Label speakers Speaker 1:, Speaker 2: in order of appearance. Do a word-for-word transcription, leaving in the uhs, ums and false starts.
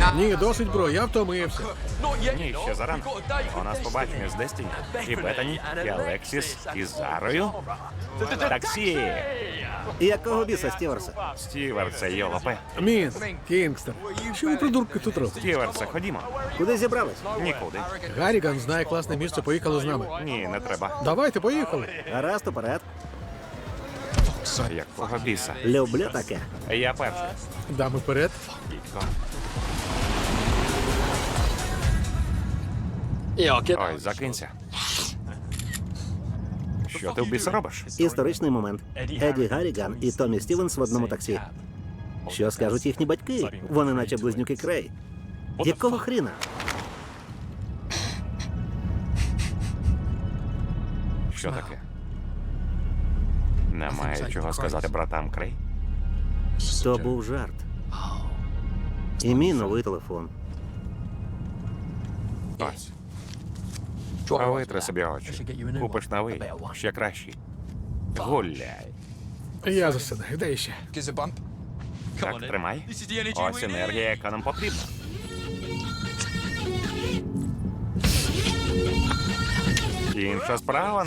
Speaker 1: Ні, досить, бро, я втомився.
Speaker 2: Ні, ще зарано. У нас побачення з Дестіні, і Бетані, і Алексіс, і Зарою. Таксі!
Speaker 3: Якого біса, Стіверса?
Speaker 2: Стіверсе, йолопе.
Speaker 1: Мін, Кінгстон, що ви, придурки, тут робите?
Speaker 2: Стіверсе, ходімо.
Speaker 3: Куди зібрались?
Speaker 2: Нікуди.
Speaker 1: Гарріган знає класне місце, поїхали з нами.
Speaker 2: Ні, не треба.
Speaker 1: Давайте, поїхали.
Speaker 3: Гаразд, уперед.
Speaker 2: Якого біса?
Speaker 3: Люблю таке.
Speaker 2: Я перший.
Speaker 1: Дами вперед.
Speaker 2: Дідько.
Speaker 4: Ой,
Speaker 2: Ой, закинься. Що ти в біса робиш?
Speaker 3: Історичний момент. Еді Гарріган і Томі Стівенс в одному таксі. Що скажуть їхні батьки? Вони наче близнюки Крей. Якого хріна?
Speaker 2: Що таке? Немає чого сказати братам Крей?
Speaker 3: То був жарт. І мій новий телефон.
Speaker 2: Ось. А витри собі очі. Купиш новий, ще кращий. Гуляй.
Speaker 1: Я засинаю, де ще?
Speaker 2: Так, тримай. Ось енергія, яка нам потрібна. Інша справа.